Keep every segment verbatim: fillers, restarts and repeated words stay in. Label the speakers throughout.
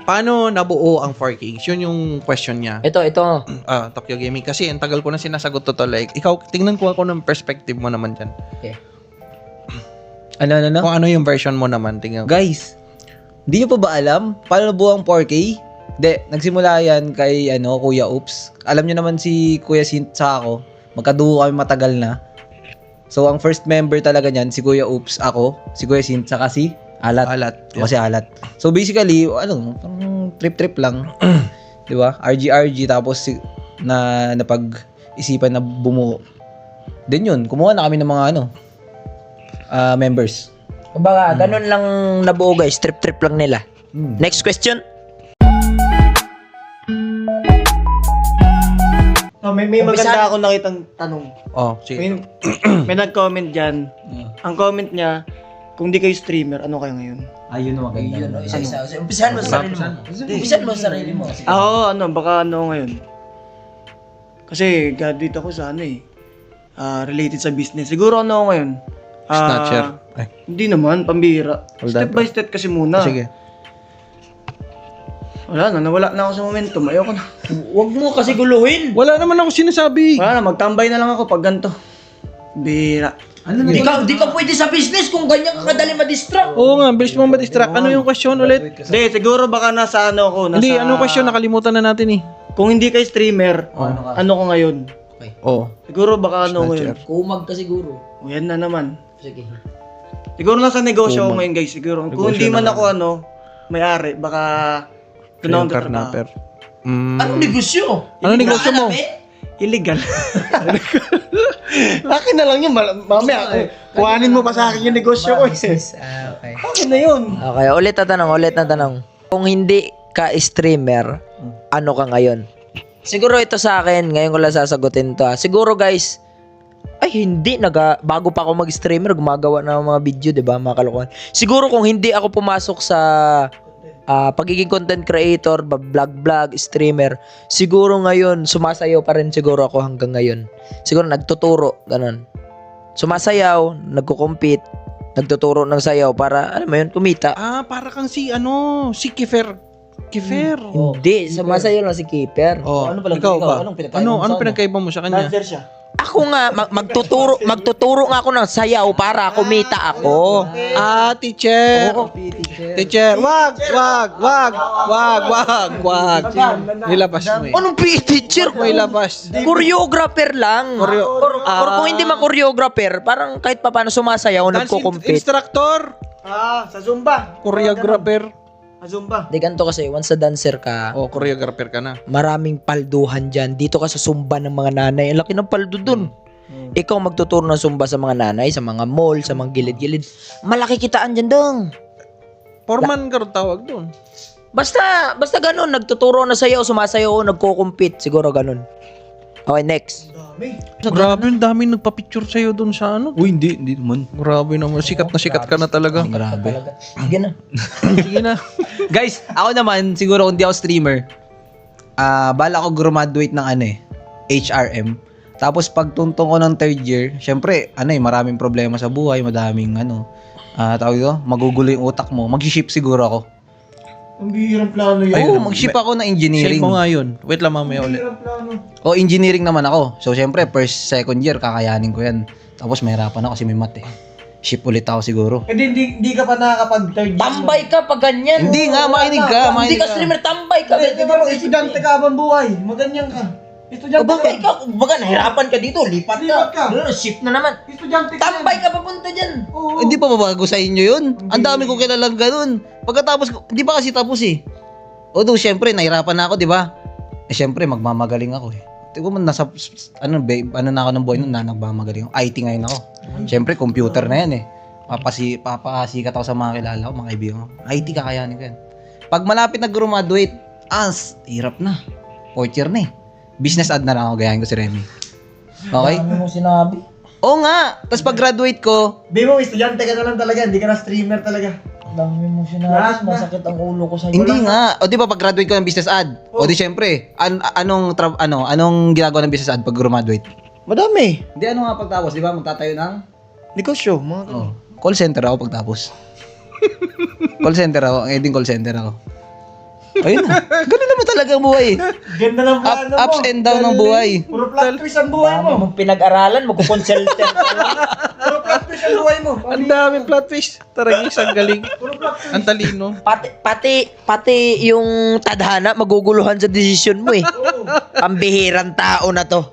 Speaker 1: paano nabuo ang four K? Yun yung question niya.
Speaker 2: Ito, ito.
Speaker 1: Ah, Tokyo Gaming. Kasi ang tagal ko na sinasagot to, to. Like, ikaw, tingnan ko ako ng perspective mo naman dyan.
Speaker 3: Okay. Ano, ano, ano?
Speaker 1: Kung ano yung version mo naman, tingnan ko.
Speaker 3: Guys, di nyo pa ba alam paano nabuo ang four K? Hindi, nagsimula yan kay ano, Kuya Oops. Alam nyo naman si Kuya Sint sa ako. Magkaduo kami matagal na. So, ang first member talaga niyan, si Kuya Oops, ako, si Kuya Sint, saka si Alat.
Speaker 1: Alat.
Speaker 3: Ako si Alat. So, basically, ano, parang trip-trip lang. Di ba? R G R G, tapos si, na napag-isipan na bumuo. Then yun, kumuha na kami ng mga ano, ah, members.
Speaker 2: Kumbaga, ganun lang nabuo guys. Trip-trip lang nila.
Speaker 3: Hmm.
Speaker 2: Next question.
Speaker 4: Oh, may may
Speaker 2: Umpisa-
Speaker 4: maganda akong nakitang tanong.
Speaker 1: Oh, sige.
Speaker 4: May, may nag-comment dyan. Ang comment niya, kung di kayo streamer, ano kayo ngayon?
Speaker 3: Ayun naman ganda.
Speaker 2: Yun, isa-isa. Umpisahan mo sa sarili mo. Umpisahan mo sa sarili mo. Sige.
Speaker 4: Ako, ano, baka ano ngayon? Kasi graduate ako sa ano eh. ah, related sa business. Siguro ano ako ngayon? Ah,
Speaker 1: Snatcher. Ay.
Speaker 4: Hindi naman, pambira.
Speaker 1: Hold
Speaker 4: Step
Speaker 1: on.
Speaker 4: by step kasi muna.
Speaker 1: Sige.
Speaker 4: Wala na, nawala na ako sa momentum. Ayoko na.
Speaker 2: Huwag mo kasi guluhin.
Speaker 1: Wala naman ako sinasabi.
Speaker 4: Wala na, magtambay na lang ako pag ganito. Bira.
Speaker 3: Ano
Speaker 2: Di ka, di ka pwede sa business kung ganyan ka kadali ma-distract.
Speaker 1: Oo nga, bilis mo ma-distract. Ano yung question ulit?
Speaker 4: Hindi, siguro baka nasa ano ako. Nasa,
Speaker 1: Hindi, anong question? Nakalimutan na natin eh.
Speaker 4: Kung hindi kayo streamer,
Speaker 3: ano ka?
Speaker 4: ano ko ngayon?
Speaker 1: Oo.
Speaker 4: Siguro baka ano ngayon?
Speaker 1: Snatcher.
Speaker 2: Kumag ka siguro.
Speaker 4: O yan na naman.
Speaker 2: Sige.
Speaker 4: Siguro nasa negosyo ako ngayon guys. Siguro. Kung
Speaker 1: Negosyo
Speaker 4: hindi man
Speaker 1: naman.
Speaker 4: ako ano, may-ari, baka doon ako
Speaker 1: Yung
Speaker 4: tatrabaho.
Speaker 1: karnaper. Mm.
Speaker 2: Anong negosyo?
Speaker 1: Ano negosyo mo?
Speaker 4: Illegal. Akin na lang yun. mal- Mamaya, eh, kuhanin mo pa sa akin yung negosyo ko eh.
Speaker 3: Ah, okay.
Speaker 4: Akin na yun.
Speaker 2: Okay, ulit na tanong, ulit na tanong. Kung hindi ka streamer, ano ka ngayon? Siguro ito sa akin, ngayon ko lang sasagutin to. ah. Siguro guys, ay hindi, naga, bago pa ako mag-streamer, gumagawa na ng mga video, di ba, mga kalokohan. Siguro kung hindi ako pumasok sa ah, pagiging content creator, vlog-vlog, streamer, siguro ngayon, sumasayaw pa rin siguro ako hanggang ngayon. Siguro nagtuturo, ganun. Sumasayaw, nagko-compete, nagtuturo ng sayaw para, alam mo yun, kumita.
Speaker 1: Ah, para kang si, ano, si Kifer. Kifer.
Speaker 2: Hindi, sumasayaw lang si Keeper.
Speaker 1: Oh,
Speaker 3: Ano pala,
Speaker 1: ikaw
Speaker 3: ikaw,
Speaker 1: ba?
Speaker 3: anong pinagkaiba
Speaker 1: Ano,
Speaker 3: mo sa
Speaker 1: ano
Speaker 3: ano?
Speaker 1: pinagkaiba mo sa kanya?
Speaker 4: Dancer siya.
Speaker 2: Ako nga, mag- magtuturo, magtuturo nga ako ng sayaw para kumita ako.
Speaker 1: Ah, teacher. Teacher, wag, wag, wag, wag, wag, wag. Nilabas mo eh.
Speaker 2: Anong P E teacher?
Speaker 1: May labas.
Speaker 2: Choreographer lang.
Speaker 1: Choreo-
Speaker 2: or, or kung hindi man choreographer, parang kahit pa paano sumasayaw,
Speaker 1: Dance
Speaker 2: nagko-compete.
Speaker 1: instructor.
Speaker 4: Ah, sa Zumba.
Speaker 1: Choreographer.
Speaker 4: Sa Zumba.
Speaker 2: Di ganito kasi, once sa dancer ka,
Speaker 1: Oh, choreographer ka na.
Speaker 2: maraming palduhan dyan. Dito ka sa sumba ng mga nanay. Ang laki ng paldo dun. Ikaw magtuturo ng sumba sa mga nanay, sa mga mall, sa mga gilid-gilid. Malaki kitaan dyan dong.
Speaker 1: Foreman ka rin tawag doon.
Speaker 2: Basta, basta ganun, nagtuturo na sayaw, sumasayaw, nagko-compete, siguro ganun. Okay, next.
Speaker 1: Grabe, ang dami nagpa-picture sa'yo doon sa ano.
Speaker 3: Uy, hindi, hindi naman.
Speaker 1: Grabe naman, sikat na sikat ka na talaga.
Speaker 3: Grabe.
Speaker 2: Sige na.
Speaker 1: Sige na.
Speaker 3: Guys, ako naman, siguro kung di ako streamer, ah, bala ko graduate ng ano eh, H R M. Tapos pagtuntong ko ng third year, syempre, ano eh, maraming problema sa buhay, madaming ano, ah, tawag ito, magugulo yung utak mo. Mag-ship siguro ako.
Speaker 4: Ang bihirang plano yun.
Speaker 3: Oo, mag-ship ako ng
Speaker 1: Share
Speaker 3: engineering.
Speaker 1: mo nga yun. Wait lang mamaya ulit.
Speaker 4: Bihirang plano.
Speaker 3: O, engineering naman ako. So, syempre, first, second year, kakayanin ko yan. Tapos, mahirapan ako kasi may math eh. Ship ulit ako siguro.
Speaker 4: Hindi, hindi, hindi ka pa nakakapag third year.
Speaker 2: Tambay ka pag ganyan.
Speaker 3: Hindi nga, makinig ka,
Speaker 2: Hindi
Speaker 3: makinig
Speaker 2: ka
Speaker 3: ka.
Speaker 2: streamer, tambay ka.
Speaker 4: Hindi, di ba, estudyante ka habang buhay. Maganyan ka. Estudyante
Speaker 2: O baka
Speaker 4: ka.
Speaker 2: ikaw, baga nahirapan ka dito, lipat ka.
Speaker 4: Lipat ka.
Speaker 2: Ano, shift na naman.
Speaker 4: Estudyante ka.
Speaker 2: Tambay ka papunta dyan.
Speaker 4: Oo.
Speaker 3: Hindi pa babago sa inyo yun. Ang dami ko kilalang ganun. Pagkatapos, ko- hindi pa kasi tapos eh. Although, syempre, nahirapan na ako, di ba? Eh, syempre, magmamagaling ako eh. Tingnan mo, nasa, ano, babe, ano na ako ng buhay nun, na nagmamagaling ako. I T ngayon ako. Syempre, computer na yan eh. Papasi, papasikat ako sa mga kilala ko, mga kaibigan ko. I T kakayanin ko yan. Pag malapit na graduate, as, hirap na. Fourth year na eh. Business ad na lang ako, gayahin ko si Remy. Okay?
Speaker 2: Ano mo sinabi?
Speaker 3: Oo nga. Tapos pag graduate ko,
Speaker 4: Bimo, estudyante ka na lang talaga. Hindi ka na streamer talaga.
Speaker 2: Dami mo
Speaker 4: Lahat
Speaker 2: sinabi,
Speaker 4: na.
Speaker 2: masakit ang ulo ko sa'yo.
Speaker 3: hindi nga. O di ba pag graduate ko ng business ad? O di syempre, an- anong tra- ano, anong ginagawa ng business ad pag graduate?
Speaker 4: Madami.
Speaker 3: Hindi ano nga pagtapos, di ba? Magtatayo ng
Speaker 4: Negosyo, mga
Speaker 3: oh, call center ako pagtapos. Call center ako, ang eding call center ako. Ayun na. Ganun naman talaga ang buhay.
Speaker 4: Ganda ng
Speaker 3: Up,
Speaker 4: plano mo.
Speaker 3: ups and down ng buhay.
Speaker 4: Puro plot twist ang buhay
Speaker 2: Dami
Speaker 4: mo.
Speaker 2: mong pinag-aralan, magkukonsultant ka lang.
Speaker 4: Puro plot twist ang buhay mo.
Speaker 1: Ang daming plot twist. Taragis, ang galing. Ang talino.
Speaker 2: Pati, pati, pati yung tadhana, maguguluhan sa desisyon mo eh. Ang bihirang tao na to.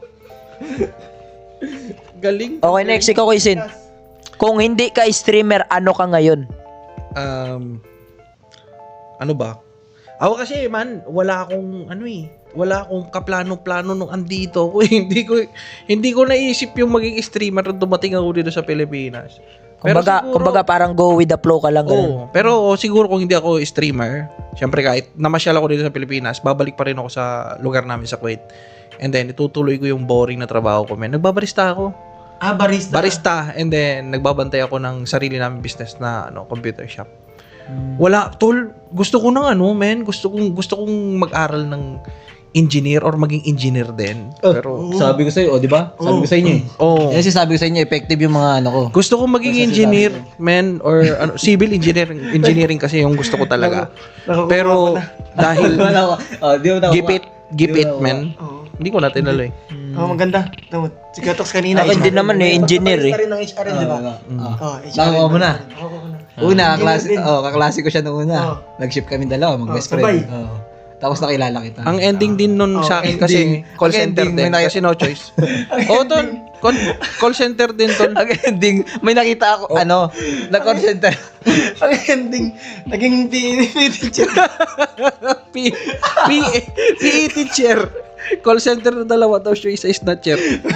Speaker 1: Galing.
Speaker 2: Okay, next, ikaw Kaisin. Kung hindi ka streamer, ano ka ngayon?
Speaker 1: Um, ano ba? Ako kasi man, wala akong ano eh, wala akong kaplano-plano nung andito ko. hindi ko hindi ko naisip yung maging streamer nung dumating ako dito sa Pilipinas.
Speaker 2: Kumbaga,
Speaker 1: siguro-
Speaker 2: kumbaga parang go with the flow ka lang. ganun.
Speaker 1: Oo, pero oh, siguro kung hindi ako streamer, syempre kahit namasyal ako dito sa Pilipinas, babalik pa rin ako sa lugar namin sa Kuwait. And then itutuloy ko yung boring na trabaho ko, man. Nagbabarista ako.
Speaker 4: Ah, barista.
Speaker 1: Barista, and then nagbabantay ako ng sarili namin business na ano, computer shop. Wala, tol, gusto ko ng ano, men, gusto kong gusto kong mag-aral ng engineer or maging engineer din. Pero
Speaker 3: Sabi ko sa'yo, o di ba? Sabi ko sa inyo eh.
Speaker 1: oh,
Speaker 3: Yan sabi ko sa inyo, effective yung mga ano ko.
Speaker 1: gusto kong maging engineer, men, or ano, civil engineering, engineering kasi yung gusto ko talaga. Pero dahil
Speaker 3: Wala ko. Oh, di mo na
Speaker 1: gipit, gipit, men. Hindi ko na tinalo eh.
Speaker 4: Oh, maganda. Tama. Si Katox kanina.
Speaker 2: Ako hindi naman eh, engineer eh.
Speaker 4: rin ng H R, di ba? Oh, H R.
Speaker 3: Nakuha mo na.
Speaker 4: Ako ko na.
Speaker 3: Una, kaklase,
Speaker 4: din.
Speaker 3: oh, kaklase ko siya nung una.
Speaker 4: Oh.
Speaker 3: Nag-ship kami dalawa, mag-best
Speaker 4: Oh, sabay.
Speaker 3: friend. Oh. Tapos nakilala kita.
Speaker 1: Ang ending din nun sa akin
Speaker 3: ending.
Speaker 1: kasi call
Speaker 3: Ang
Speaker 1: center
Speaker 3: ending,
Speaker 1: din.
Speaker 3: may nakita-
Speaker 1: Kasi no choice. Oo, tol. Call, call center din, tol.
Speaker 3: Ang ending, may nakita ako, ano, na-call center.
Speaker 4: Ang ending, naging P E teacher.
Speaker 1: P, P, P E teacher. Call center na dalawa, tapos yung isa is snatcher.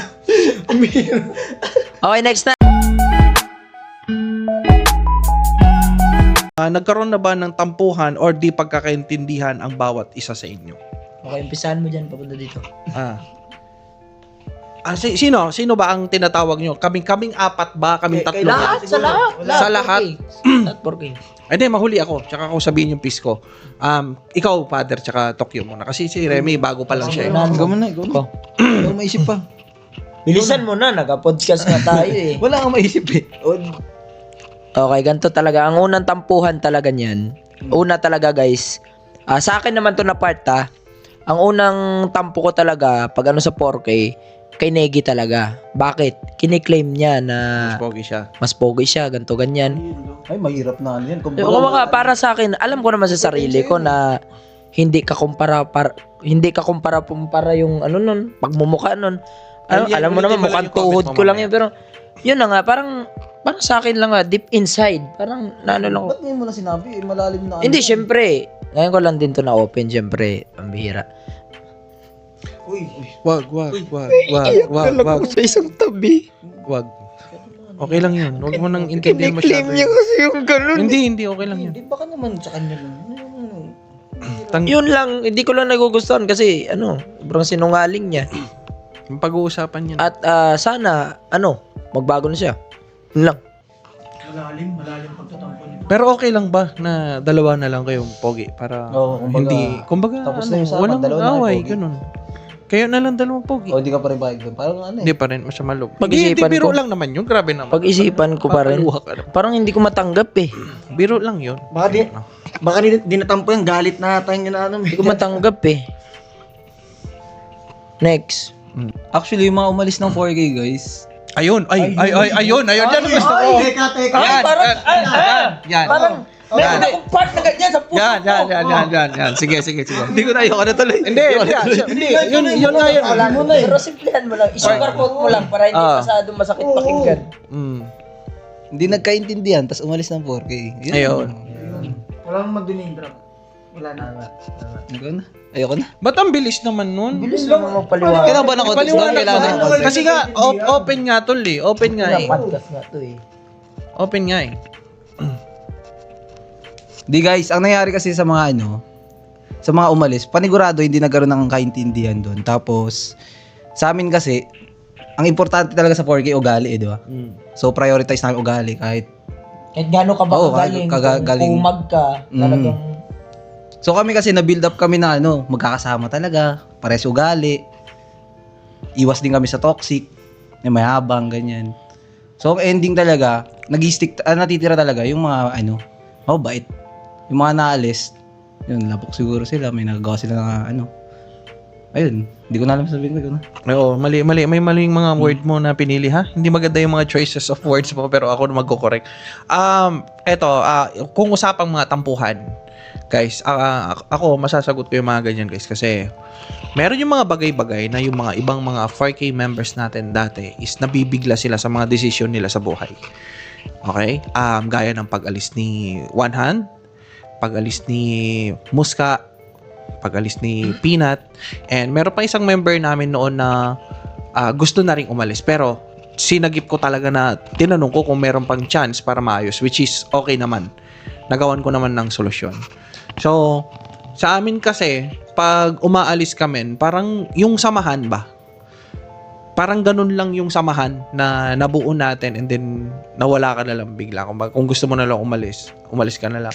Speaker 2: Okay, next na.
Speaker 1: Ah, nagkaroon na ba ng tampuhan or di pagkakaintindihan ang bawat isa sa inyo?
Speaker 2: Okay, umpisahan mo dyan, papunta dito.
Speaker 1: Ah. Ah, si- sino? Sino ba ang tinatawag nyo? Kaming kaming apat ba? Kaming tatlo? ba?
Speaker 2: Lahat, sa lahat.
Speaker 1: Sa lahat?
Speaker 2: Lahat, four K.
Speaker 1: Ay, di, mahuli ako. Tsaka ako sabihin yung piece ko. Um, ikaw, Father, tsaka Tokyo muna. Kasi si Remy, bago pa lang siya. eh.
Speaker 3: Ikaw mo na, ikaw na.
Speaker 2: Ko.
Speaker 3: Wala kang maisip pa.
Speaker 2: Bilisan mo na, nagka-podcast nga tayo eh.
Speaker 3: Wala kang maisip eh. O,
Speaker 2: Okay, ganito talaga. Ang unang tampuhan talaga niyan. Una talaga guys. ah, sa akin naman to na part ah. Ang unang tampo ko talaga pag ano sa four K, kay Negi talaga. Bakit? Kiniklaim niya na
Speaker 1: Pogi siya.
Speaker 2: mas pogi siya, ganto ganyan.
Speaker 3: ay, mahirap na ano yan.
Speaker 2: Eh, kumbaga, para sa akin, alam ko naman sa sarili ko na hindi ka kumpara para hindi ka kumpara kumpara yung ano nun, pagmumukha nun. Alam,
Speaker 1: Ay, yan,
Speaker 2: alam mo
Speaker 1: ulitin
Speaker 2: naman
Speaker 1: mo lang
Speaker 2: mukhang
Speaker 1: yung comment
Speaker 2: tuhod
Speaker 1: mo
Speaker 2: ko lang
Speaker 1: mamaya.
Speaker 2: yun, pero yun na nga, parang parang sa akin lang nga, deep inside, parang naano lang ko.
Speaker 3: Ba't ngayon mo na sinabi? Eh, malalim na ano.
Speaker 2: Hindi, syempre. Ngayon ko lang din to na open, syempre. Ang bihira.
Speaker 4: Uy,
Speaker 1: Wag, wag, wag, wag, wag, wag,
Speaker 2: sa isang tabi.
Speaker 1: wag. Okay lang yun. Huwag mo nang intindihan masyado. yun.
Speaker 2: kasi yung ganun.
Speaker 1: Hindi, hindi. Okay lang yun.
Speaker 3: Hindi, baka naman sa kanya lang.
Speaker 1: Tang-
Speaker 2: Yun lang, hindi ko lang nagugustuhan kasi, ano, sobrang sinungaling niya.
Speaker 1: yung pag-uusapan yun.
Speaker 2: At ah, sana, ano, magbago na siya. Yun lang.
Speaker 4: malalim, malalim pagtatampo niyo.
Speaker 1: Pero okay lang ba na dalawa na lang kayong pogi para
Speaker 3: Oo, kumbaga,
Speaker 1: hindi kumbaga
Speaker 3: tapos
Speaker 1: ano,
Speaker 3: na yung usapan,
Speaker 1: walang
Speaker 3: dalawa na kayo
Speaker 1: away
Speaker 3: pogi.
Speaker 1: ganun. Kayo na lang dalawang pogi.
Speaker 3: O, di ka pa rin bakit doon. Parang ano eh.
Speaker 1: Hindi pa rin masama loob. Hindi,
Speaker 2: Pag-isipan
Speaker 1: hindi, biro
Speaker 2: ko.
Speaker 1: lang naman yun. Grabe naman.
Speaker 2: Pag-isipan ko pa rin.
Speaker 1: Papaluha ka naman.
Speaker 2: Parang hindi ko matanggap eh.
Speaker 1: Biro lang yun.
Speaker 4: Baka di, baka di, di natampo yung galit na tayo niya na ano.
Speaker 2: Hindi ko matanggap eh. Next.
Speaker 3: Actually, yung mga umalis ng four K, guys.
Speaker 1: Ayun, ay, ay, ay, ayun, ayun, yan ang gusto ko.
Speaker 4: Teka, teka.
Speaker 1: Yan,
Speaker 2: parang,
Speaker 1: yan,
Speaker 2: ah, ah,
Speaker 1: yan,
Speaker 2: Parang,
Speaker 1: Yan.
Speaker 2: meron akong part na ganyan sa puso
Speaker 1: yan, yan,
Speaker 2: ko.
Speaker 1: yan, yan, yan, yan. Sige, sige, sige.
Speaker 3: Hindi ko na ayoko na tuloy.
Speaker 1: Hindi, hindi, hindi, yun, yun nga yun.
Speaker 2: Wala mo na eh. Pero simplihan mo lang. I-sugarcoat mo lang para hindi
Speaker 1: Ah.
Speaker 2: masyadong masakit pakinggan.
Speaker 1: Mm.
Speaker 3: Hindi nagkaintindihan, tapos umalis ng four K. Yun.
Speaker 1: Ayun.
Speaker 4: Wala mong mag-diname drop. Wala na.
Speaker 3: Ayoko na. Ayoko na.
Speaker 1: Ba't ang bilis naman nun?
Speaker 2: Bilis lang mo magpaliwanag.
Speaker 3: Kailangan ba ng context doon?
Speaker 1: Paliwanag
Speaker 3: Kailangan ng
Speaker 1: mo.
Speaker 3: context.
Speaker 1: Kasi nga, op- open nga tol eh. Open nga eh.
Speaker 2: Podcast nga to eh.
Speaker 1: Open nga eh.
Speaker 3: Di guys, ang nangyari kasi sa mga ano, sa mga umalis, panigurado hindi nagkaroon ng kaintindihan doon. Tapos, sa amin kasi, ang importante talaga sa four K, ugali eh, di ba?
Speaker 1: Mm.
Speaker 3: So, prioritize namin ugali kahit.
Speaker 2: Kahit gano'n ka ba
Speaker 3: Oo,
Speaker 2: kagaling,
Speaker 3: kagagaling.
Speaker 2: kung umag ka,
Speaker 3: Mm.
Speaker 2: talagang
Speaker 3: So, kami kasi na-build up kami na ano, magkakasama talaga, pares ugali. Iwas din kami sa toxic, na mayabang, ganyan. So, ang ending talaga, nag-stick, ah, natitira talaga yung mga ano, mabait. Yung mga naalis, Yun, labok siguro sila. May nagagawa sila na ano. Ayun, hindi ko na alam sabihin ko. No?
Speaker 1: Oo, mali, mali. May maling mga word mo na pinili, ha? Hindi maganda yung mga choices of words mo, pero ako na magko-correct. Um, eto, ah, kung usapang mga tampuhan, guys, ah, ako, masasagot ko yung mga ganyan, guys, kasi meron yung mga bagay-bagay na yung mga ibang mga four K members natin dati is nabibigla sila sa mga desisyon nila sa buhay. Okay? Um, gaya ng pag-alis ni One Hand, pag-alis ni Muska, pag-alis ni Peanut, and meron pa isang member namin noon na ah, gusto na rin umalis, pero sinagip ko talaga na tinanong ko kung meron pang chance para maayos, which is okay naman. Nagawan ko naman ng solusyon. So, sa amin kasi, pag umaalis kami, parang yung samahan ba? Parang ganun lang yung samahan na nabuo natin and then nawala ka na lang bigla. Kung, kung gusto mo na lang umalis, umalis ka na lang.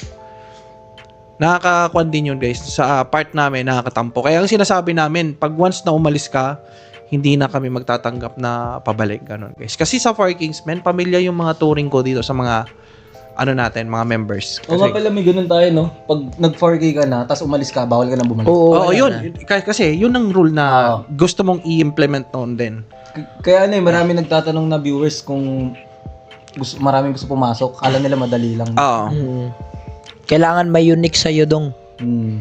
Speaker 1: Nakakakuan din yun, guys. Sa uh, part namin, nakakatampo. Kaya ang sinasabi namin, pag once na umalis ka, hindi na kami magtatanggap na pabalik. Ganun, guys. Kasi sa Four Kings, men, pamilya yung mga touring ko dito sa mga, ano natin, mga members.
Speaker 3: O nga pala, may ganun tayo, no? Pag nag four K ka na, tapos umalis ka, bawal ka nang bumalik.
Speaker 1: Oo, oh, yun. K- kasi yun ang rule na gusto mong i-implement noon din.
Speaker 3: K- Kaya ano eh, marami nagtatanong na viewers kung gusto, maraming gusto pumasok. Kala nila madali lang.
Speaker 1: Oo.
Speaker 2: Mm. Kailangan may unique sa'yo dong.
Speaker 3: Hmm.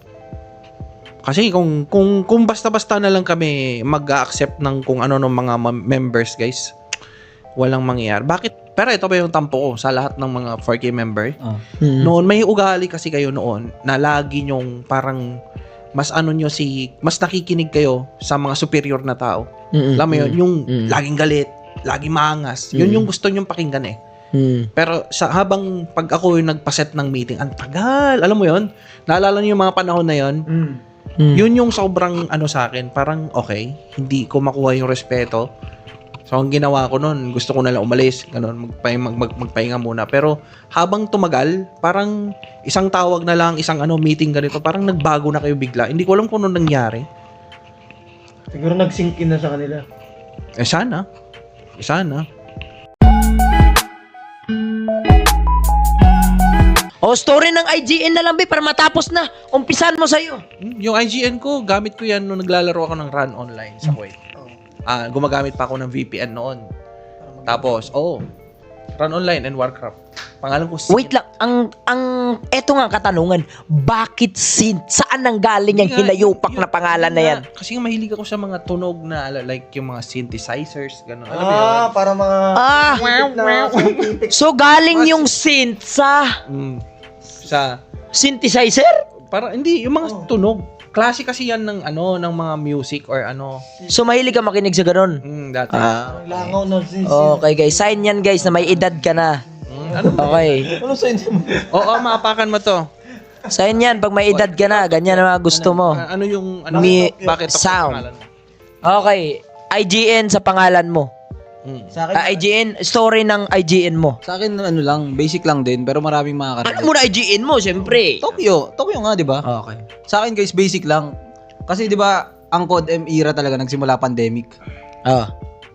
Speaker 1: Kasi kung kung kung basta-basta na lang kami mag-accept ng kung ano ng mga ma- members, guys, walang mangyayari. Bakit? Pero ito ba yung tampo ko sa lahat ng mga four K member?
Speaker 3: Ah.
Speaker 2: Mm.
Speaker 1: Noon may ugali kasi kayo noon na lagi nyong parang mas ano nyo si mas nakikinig kayo sa mga superior na tao.
Speaker 2: Mm-mm.
Speaker 1: Alam mo yun, yung
Speaker 2: Mm.
Speaker 1: laging galit, laging maangas. Yun
Speaker 2: Mm.
Speaker 1: yung gusto nyong pakinggan eh.
Speaker 2: Mm.
Speaker 1: Pero sa habang pag ako yung nagpaset ng meeting, ang tagal. Alam mo yun? Naalala niyo yung mga panahon na yun?
Speaker 4: Mm.
Speaker 2: Mm.
Speaker 1: Yun yung sobrang ano sa akin, parang okay, hindi ko makuha yung respeto. So ang ginawa ko noon, gusto ko na lang umalis, ganun, magpahinga, mag, mag, magpahinga muna. Pero habang tumagal, parang isang tawag na lang, isang ano meeting ganito, parang nagbago na kayo bigla. Hindi ko alam kung ano nangyari.
Speaker 4: Siguro nag-sync in na sa kanila.
Speaker 1: Eh sana. Eh sana.
Speaker 2: O, story ng I G N na lang, be, para matapos na. Umpisan mo sa'yo.
Speaker 1: Hmm, Yung I G N ko, gamit ko yan nung naglalaro ako ng Run Online sa Kuwait. Ah, gumagamit pa ako ng V P N noon. Tapos, oh, Run Online and Warcraft. Pangalan ko
Speaker 2: Wait lang, ang, ang, eto nga katanungan, bakit sin, saan nang galing yung hinayupak na pangalan na yan?
Speaker 1: Kasi nga mahilig ako sa mga tunog na like yung mga synthesizers, gano'n. Alam mo yun?
Speaker 4: Ah, para mga
Speaker 2: Ah,
Speaker 4: na scientific.
Speaker 2: so galing yung synth sa
Speaker 1: Mm, sa,
Speaker 2: synthesizer?
Speaker 1: para, hindi, yung mga tunog. Klase kasi yan ng ano, ng mga music or ano.
Speaker 2: So mahilig ka makinig sa ganun?
Speaker 1: Mm, dati.
Speaker 2: Ah,
Speaker 4: Langaw na sin.
Speaker 2: okay guys, sign yan guys na may edad ka na.
Speaker 1: Mm, ano?
Speaker 2: Okay.
Speaker 3: Ano sa inyo?
Speaker 1: Oo, maapakan mo to.
Speaker 2: Sign yan pag may edad ka na, ganyan ang mga gusto mo.
Speaker 1: Ah, ano yung, ano,
Speaker 2: Mi-
Speaker 1: bakit ako
Speaker 2: sound.
Speaker 1: pangalan mo?
Speaker 2: Okay, I G N sa pangalan mo.
Speaker 1: Mm.
Speaker 3: Sa akin,
Speaker 2: Ah, I G N, story ng I G N mo.
Speaker 3: sa akin ano lang, basic lang din, pero maraming
Speaker 2: Ano
Speaker 3: makaka-relate.
Speaker 2: muna I G N mo, siyempre.
Speaker 3: Tokyo, Tokyo nga, 'di ba?
Speaker 2: Okay.
Speaker 3: Sa akin guys, basic lang. Kasi 'di ba, ang Code M era talaga nagsimula pandemic.
Speaker 2: Ah,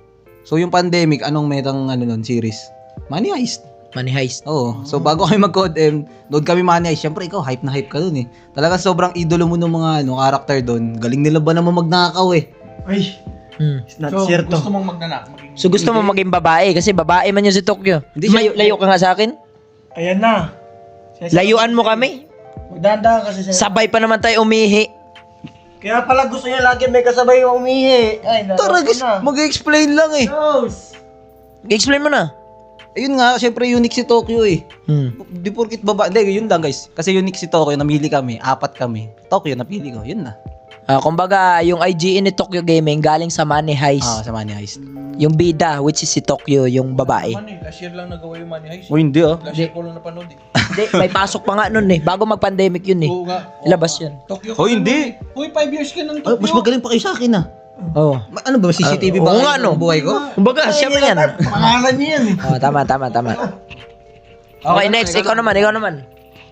Speaker 3: So yung pandemic, anong metang ano nun, series? Money Heist.
Speaker 2: Money Heist.
Speaker 3: Oo. So bago kami mag-Code M, nood kami Money Heist. Syempre ikaw, hype na hype ka dun eh. Talaga sobrang idolo mo ng mga ano, character dun. Galing nila ba naman magnakaw eh.
Speaker 4: Ay,
Speaker 2: Hmm.
Speaker 4: it's not certo.
Speaker 1: mong magnanak? Maging...
Speaker 2: So gusto mo maging babae kasi babae man yun si Tokyo.
Speaker 3: Hindi
Speaker 2: Layo,
Speaker 3: siya-
Speaker 2: layo ka nga sa akin.
Speaker 4: Ayan na.
Speaker 2: Layuan mo kami.
Speaker 4: Magdanda kasi siya.
Speaker 2: Sabay pa naman tayo umihi.
Speaker 4: Kaya pala gusto niya lagi may kasabay yung umihi. Ay,
Speaker 3: Tara
Speaker 4: naloko
Speaker 3: guys,
Speaker 4: na.
Speaker 3: mag-explain lang eh.
Speaker 4: Nose.
Speaker 2: Explain mo na.
Speaker 3: Ayun nga, syempre unique si Tokyo eh.
Speaker 2: Hmm.
Speaker 3: Di porkit baba, hindi, yun lang guys. Kasi unique si Tokyo, namili kami, apat kami. Tokyo, napili ko, yun na.
Speaker 2: Ah, kumbaga, yung I G N ni Tokyo Gaming galing sa Money Heist.
Speaker 3: Ah, sa Money Heist.
Speaker 2: Yung bida, which is si Tokyo, yung babae.
Speaker 1: Man, eh, last year lang nagawa yung Money Heist.
Speaker 3: O hindi ah.
Speaker 1: Last year ko lang napanood eh.
Speaker 2: Hindi, may pasok pa nga nun eh. Bago mag-pandemic yun eh.
Speaker 1: Oo nga.
Speaker 2: Labas yun.
Speaker 1: Tokyo.
Speaker 3: Oh, hindi.
Speaker 1: Uy, five years ka ng
Speaker 3: Ay, mas magaling pa kayo sa akin ah.
Speaker 2: Oo.
Speaker 3: Ma- ano ba, C C T V
Speaker 2: Ah,
Speaker 3: ba
Speaker 2: oo
Speaker 3: kayo
Speaker 2: nga,
Speaker 3: ng
Speaker 2: no.
Speaker 3: buhay ko?
Speaker 2: Kumbaga, siya pa yan.
Speaker 4: Pangalan niya yan eh.
Speaker 2: Oh, tama, tama, tama. Okay, next. Ikaw naman, ikaw naman.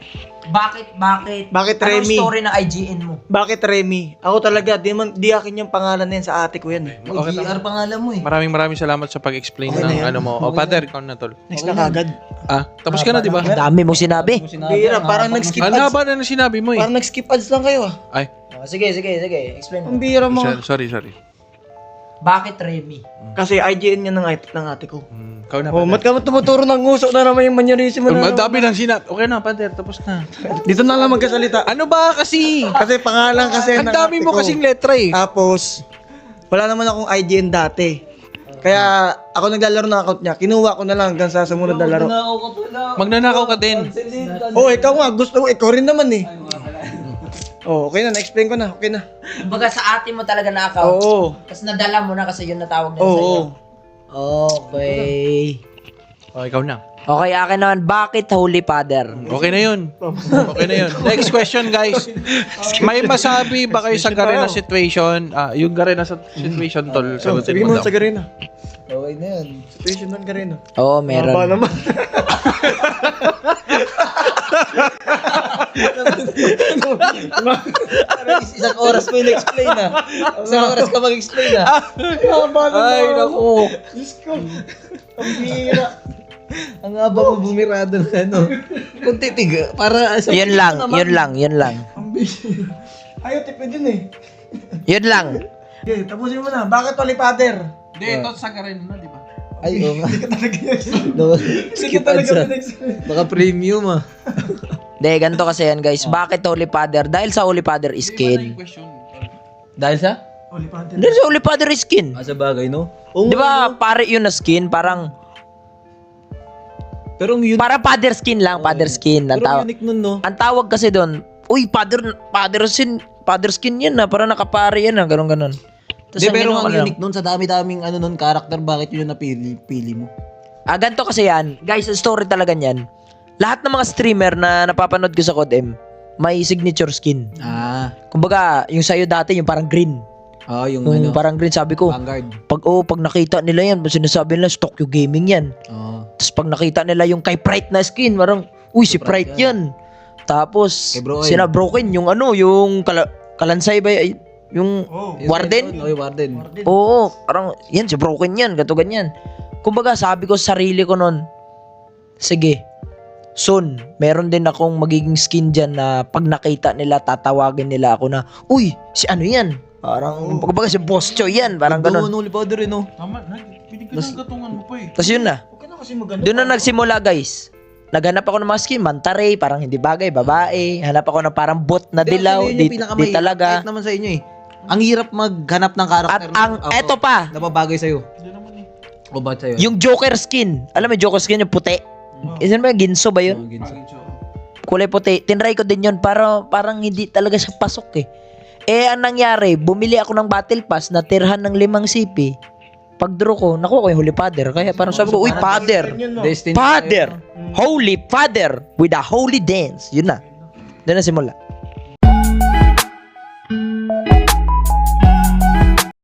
Speaker 2: Bakit, bakit?
Speaker 4: Bakit,
Speaker 2: Anong
Speaker 4: Remy?
Speaker 2: story ng I G N mo?
Speaker 4: Bakit Remy? Ako talaga, di, man, di akin yung pangalan na yan, sa ate ko yan eh.
Speaker 3: Oh, G R pangalan mo eh.
Speaker 1: Maraming maraming salamat sa pag-explain
Speaker 4: Okay na
Speaker 1: ng
Speaker 4: yan.
Speaker 1: ano mo. O, Father, ikaw na tol.
Speaker 4: Next na kagad.
Speaker 1: Ah, tapos ka na, di ba?
Speaker 2: Ang dami mong sinabi.
Speaker 4: Bira, parang nag-skip
Speaker 1: Ang
Speaker 4: ads.
Speaker 1: haba na ng sinabi mo eh.
Speaker 4: Parang nag-skip ads lang kayo ah.
Speaker 1: Ay,
Speaker 2: Oh, sige, sige, sige. Explain mo.
Speaker 4: Ang bira mo.
Speaker 1: sorry, sorry.
Speaker 2: Bakit Remy?
Speaker 4: Kasi I G N yan ng, ate- ng ate ko.
Speaker 1: Hmm, ikaw na,
Speaker 4: Oh, mat
Speaker 1: Father.
Speaker 4: ka tumuturo ng nguso na naman yung manyerism mo na
Speaker 1: Ang
Speaker 4: naman.
Speaker 1: dami ng sinabi. Okay na, Father, tapos na.
Speaker 4: Dito na lang magkasalita.
Speaker 1: Ano ba kasi?
Speaker 4: Kasi pangalan kasi
Speaker 1: Ang
Speaker 4: ng
Speaker 1: dami
Speaker 4: ate
Speaker 1: mo
Speaker 4: ko.
Speaker 1: kasing letra eh.
Speaker 4: Tapos, wala naman akong I G N dati. Kaya ako naglalaro ng account niya. Kinuha ko na lang hanggang sa sumunod na laro.
Speaker 1: Magnanakaw ka din.
Speaker 4: Oh, ikaw nga. Gusto mo. Ikaw rin naman eh. Oh, okay na. Na-explain ko na. Okay na.
Speaker 2: Kumbaga sa ate mo talaga na-account.
Speaker 4: Oo.
Speaker 2: Tapos nadala mo na kasi yun natawag nila
Speaker 4: Oo.
Speaker 2: sa'yo. Okay.
Speaker 1: O, ikaw na.
Speaker 2: Okay, akin naman. Bakit Holy Father?
Speaker 1: Okay na yun. Okay na yun. Next question, guys. May masabi ba kayo sa Garena situation? Ah, yung Garena sa situation, tol. Sagutin
Speaker 4: Sabihin
Speaker 1: mo
Speaker 4: mo
Speaker 1: daw.
Speaker 4: sa Garena.
Speaker 3: Okay na yan.
Speaker 4: Situation ng Garena.
Speaker 2: Oo,
Speaker 4: Haba
Speaker 2: meron.
Speaker 4: naman.
Speaker 3: Isang oras mo yung explain ah. Isang oras ka mag-explain ah.
Speaker 4: Haba naman.
Speaker 1: Ay, naku.
Speaker 4: Diyos ko. Ang bira.
Speaker 3: Ang haba mo bumirado na ano. Kunti tiga. Para sa...
Speaker 2: Yun lang, yun lang, yun lang.
Speaker 4: Ang bira. Ayaw, tipid yun eh.
Speaker 2: Yun lang.
Speaker 4: Okay, tapusin mo na. Bakit Holy Father?
Speaker 1: Hindi, ito sa Garena na, di ba?
Speaker 3: Ay, oo nga.
Speaker 4: Hindi ka talaga
Speaker 3: No,
Speaker 4: Hindi
Speaker 3: skip
Speaker 4: ka talaga
Speaker 3: ads ah.
Speaker 4: pinag-
Speaker 3: Baka premium ah.
Speaker 2: De, ganito kasi yan guys. Bakit Holy Father? Dahil sa Holy Father is skin.
Speaker 1: Question.
Speaker 3: Dahil sa?
Speaker 4: Holy Father.
Speaker 2: Dahil sa Holy Father is skin.
Speaker 3: Ah, sa bagay no? Oo
Speaker 2: Di
Speaker 3: nga,
Speaker 2: ba, pare yun na skin? Parang,
Speaker 3: Pero ang unique,
Speaker 2: para father skin lang, father skin. Ang
Speaker 3: pero
Speaker 2: tawag,
Speaker 3: ang unique nun no?
Speaker 2: ang tawag kasi doon, uy, father, father skin, father skin yan na, para nakapare yan na, ganun ganon.
Speaker 3: Di, pero ang unique nun sa dami-daming ano nun, character, bakit yun yung napili pili mo?
Speaker 2: Ah, ganito kasi yan. Guys, ang story talaga niyan. Lahat ng mga streamer na napapanood ko sa CODM, may signature skin.
Speaker 3: Ah,
Speaker 2: Kumbaga, yung sa'yo dati, yung parang green.
Speaker 3: oh, yung
Speaker 2: Yung
Speaker 3: ano,
Speaker 2: parang green, sabi ko,
Speaker 3: Vanguard.
Speaker 2: pag oh, pag nakita nila yan, sinasabi nila, Tokyo Gaming yan.
Speaker 3: Oh.
Speaker 2: Tapos pag nakita nila yung kay Prite na skin, parang, uy, si
Speaker 3: Prite
Speaker 2: Prite yan. Tapos,
Speaker 3: Kay Bro Oil.
Speaker 2: sina Broken, yung ano, yung kala, kalansay ba, y- yung
Speaker 4: Oh.
Speaker 2: warden?
Speaker 3: Oh, yung Warden.
Speaker 2: Oo, parang, yan, si Broken yan, gato ganyan. Kumbaga, sabi ko sa sarili ko nun, sige, soon, meron din akong magiging skin dyan na pag nakita nila, tatawagin nila ako na, uy, si ano yan? Parang, kumbaga si Boss Choy yan, parang
Speaker 3: Doon,
Speaker 2: ganun.
Speaker 3: Holy Father eh no?
Speaker 1: Tama, binigyan ng gatungan mo pa eh.
Speaker 2: Tapos yun na.
Speaker 4: Huwag ka na kasi maganda.
Speaker 2: Doon na nagsimula guys. Naghanap ako ng mga skin, mantaray, parang hindi bagay, babae. Hanap ako ng parang bot na
Speaker 3: Pero
Speaker 2: dilaw,
Speaker 3: actually, yun
Speaker 2: di,
Speaker 3: yung pinakamahirap,
Speaker 2: di talaga.
Speaker 3: Kahit naman sa inyo eh. Ang hirap maghanap ng character.
Speaker 2: At ang,
Speaker 3: na-
Speaker 2: eto pa,
Speaker 3: Na babagay sa'yo.
Speaker 1: Hindi naman eh.
Speaker 3: O ba't sa'yo?
Speaker 2: yung Joker skin. Alam mo, yung Joker skin, yung puti. Isan ba, ginso ba yun?
Speaker 3: Oh, ginso.
Speaker 2: Kulay puti. Tinry ko din yun, para parang hindi talaga siya pasok eh. Eh, ang nangyari, bumili ako ng battle pass na tirhan ng limang C P. Pag draw ko, nakuha ko yung Holy Father. Kaya parang sabi ko, uy, Father!
Speaker 3: Destiny.
Speaker 2: Father! Holy Father! With a holy dance. Yun na. Doon na simula.